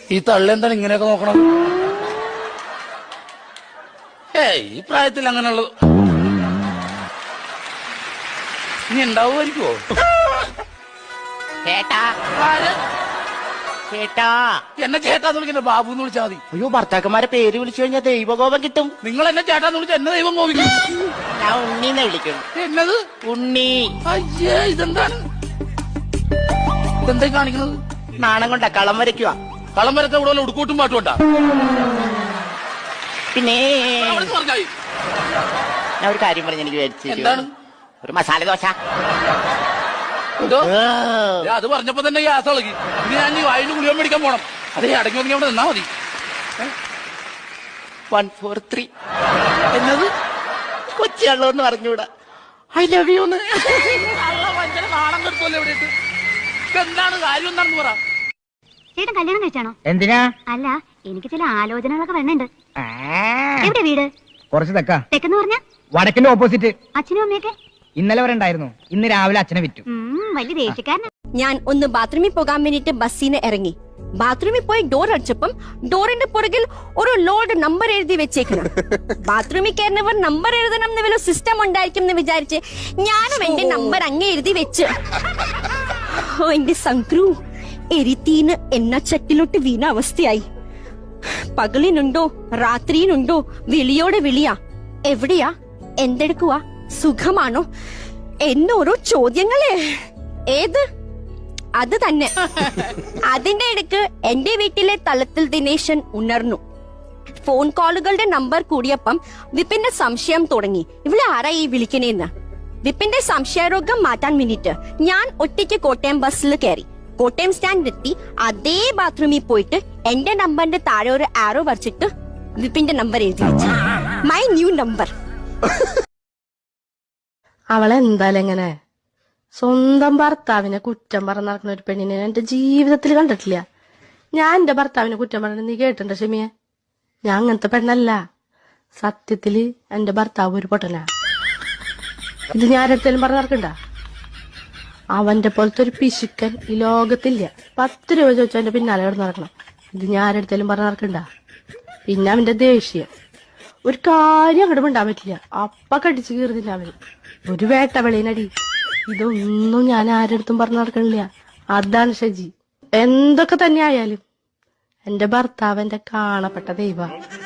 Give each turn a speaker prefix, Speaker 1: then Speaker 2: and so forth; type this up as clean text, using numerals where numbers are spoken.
Speaker 1: ഈ തള്ളെന്താണ് ഇങ്ങനെയൊക്കെ നോക്കണം? ഈ പ്രായത്തിൽ അങ്ങനെയുള്ളത് ഇനി ഉണ്ടാവുമായിരിക്കുമോ?
Speaker 2: ചേട്ടാ ചേട്ടാ
Speaker 1: എന്നെ ചേട്ടാന്ന് വിളിക്കുന്നത് ബാബു എന്ന് വിളിച്ചാൽ മതി.
Speaker 2: അയ്യോ, ഭർത്താക്കന്മാരെ പേര് വിളിച്ചു കഴിഞ്ഞാൽ ദൈവകോപം കിട്ടും.
Speaker 1: നിങ്ങൾ എന്നെ ചേട്ടാന്ന് വിളിച്ചാൽ എന്നെ ദൈവം കോപിക്കും.
Speaker 2: ഞാൻ ഉണ്ണീന്ന് വിളിക്കുന്നു.
Speaker 1: എന്നത്?
Speaker 2: ഉണ്ണി.
Speaker 1: അയ്യേ, ഇതെന്താണ്? ഇതെന്താ കാണിക്കുന്നത്?
Speaker 2: നാണം കൊണ്ടാ കളം വരയ്ക്കുക.
Speaker 1: കളം വരച്ച ഇവിടെ ഉടുക്കൂട്ടും പാട്ടും ഉണ്ടാ.
Speaker 2: പിന്നെ
Speaker 1: പറഞ്ഞായി
Speaker 2: ഞാൻ ഒരു കാര്യം പറഞ്ഞ് എനിക്ക് വിചാരിച്ചു.
Speaker 1: എന്താണ്?
Speaker 2: ഒരു മസാല ദോശ.
Speaker 1: അത് പറഞ്ഞപ്പോ തന്നെ ഗ്യാസ് ഇളകി. ഇനി ഞാൻ വായിന് ഗുളിക മേടിക്കാൻ പോണം. അതേ അടങ്ങി ഒതുങ്ങി അവിടെ നിന്നാ മതി.
Speaker 2: 143
Speaker 1: എന്നത്?
Speaker 2: കൊച്ചിയള്ളൂ എന്ന് പറഞ്ഞൂടാ. ഐ ലവ് യു എന്ന്.
Speaker 1: ഭയങ്കര നാണം കെടുത്തല്ലേ ഇവിടെ. എന്താണ് കാര്യം? എന്താണെന്ന് പറ.
Speaker 3: ചേട്ടൻ കല്യാണം കഴിച്ചാണോ?
Speaker 4: എന്തിനാ?
Speaker 3: അല്ല, എനിക്ക് ചില ആലോചനകളൊക്കെ വരുന്നുണ്ട്. എവിടെ വീട്?
Speaker 4: കുറച്ച് തെക്കാ.
Speaker 3: തെക്കെന്ന് പറഞ്ഞ
Speaker 4: വടക്കിന്റെ ഓപ്പോസിറ്റ്.
Speaker 3: അച്ഛനും അമ്മയൊക്കെ
Speaker 4: ഇന്നലെ വരെ ഉണ്ടായിരുന്നു. ഇന്ന് രാവിലെ അച്ഛനെ വിറ്റു.
Speaker 3: വലിയ ദേഷ്യക്കാരനാ.
Speaker 5: ഞാൻ ഒന്ന് ബാത്റൂമിൽ പോകാൻ വേണ്ടിട്ട് ബസ്സിന് ഇറങ്ങി. ബാത്റൂമിൽ പോയി ഡോർ അടിച്ചപ്പം ഡോറിന്റെ പുറകിൽ ഒരു ലോഡ് നമ്പർ എഴുതി വെച്ചേക്കണം. ബാത്റൂമിൽ കയറുന്നവർ നമ്പർ എഴുതണം എന്ന് വല്ല സിസ്റ്റം ഉണ്ടായിരിക്കും എന്ന് വിചാരിച്ച് ഞാനും എന്റെ നമ്പർ അങ്ങ് എഴുതി വെച്ച്. എന്റെ സംക്രു എരിത്തീന് എണ്ണച്ചട്ടിലോട്ട് വീണ അവസ്ഥയായി. പകലിനുണ്ടോ രാത്രിയിലുണ്ടോ വിളിയോടെ വിളിയാ. എവിടെയാ? എന്തെടുക്കുവാ? സുഖമാണോ? എന്നോരോ ചോദ്യങ്ങളെ. ഏത്? അത് തന്നെ. അതിന്റെ ഇടയ്ക്ക് എന്റെ വീട്ടിലെ തലത്തിൽ ദിനേശൻ ഉണർന്നു. ഫോൺ കോളുകളുടെ നമ്പർ കൂടിയപ്പം വിപിന്റെ സംശയം തുടങ്ങി. ഇവിടെ ആരാ ഈ വിളിക്കണേന്ന്. വിപിന്റെ സംശയരോഗം മാറ്റാൻ വേണ്ടിട്ട് ഞാൻ ഒറ്റയ്ക്ക് കോട്ടയം ബസ്സിൽ കയറി. കോട്ടയം സ്റ്റാൻഡിലെത്തി അതേ ബാത്റൂമിൽ പോയിട്ട് എന്റെ നമ്പറിന്റെ താഴെ ഒരു ആരോ വരച്ചിട്ട് വിപിന്റെ നമ്പർ എഴുതി വെച്ചു. My new number.
Speaker 6: അവളെന്തായാലും എങ്ങനെ സ്വന്തം ഭർത്താവിനെ കുറ്റം പറഞ്ഞ് നടക്കുന്ന ഒരു പെണ്ണിനെ എന്റെ ജീവിതത്തിൽ കണ്ടിട്ടില്ല. ഞാൻ എന്റെ ഭർത്താവിനെ കുറ്റം പറഞ്ഞ നീ കേട്ടിട്ടുണ്ടോ ഷമിയെ? ഞാൻ അങ്ങനത്തെ പെണ്ണല്ല. സത്യത്തില് എന്റെ ഭർത്താവ് ഒരു പൊട്ടനാ. ഇത് ഞാൻ ആരെടുത്തേലും പറഞ്ഞ് നടക്കണ്ട. അവന്റെ പോലത്തെ ഒരു പിശുക്കൻ ഈ ലോകത്തില്ല. 10 രൂപ ചോദിച്ചാൽ എന്റെ പിന്നാലെ കിടന്ന് നടക്കണം. ഇത് ഞാൻ ആരെടുത്തേലും പറഞ്ഞ് നടക്കണ്ട. പിന്നെ അവന്റെ ദേഷ്യം ഒരു കാര്യം അങ്ങോട്ട് മിണ്ടാൻ പറ്റില്ല. അപ്പ കടിച്ചു കീറുന്നില്ല അവന്. ഒരു വേട്ടവെളിനടി. ഇതൊന്നും ഞാൻ ആരെടുത്തും പറഞ്ഞു നടക്കണില്ല. അതാണ് ഷജി. എന്തൊക്കെ തന്നെ ആയാലും എന്റെ ഭർത്താവ് എന്റെ കാണപ്പെട്ട ദൈവ.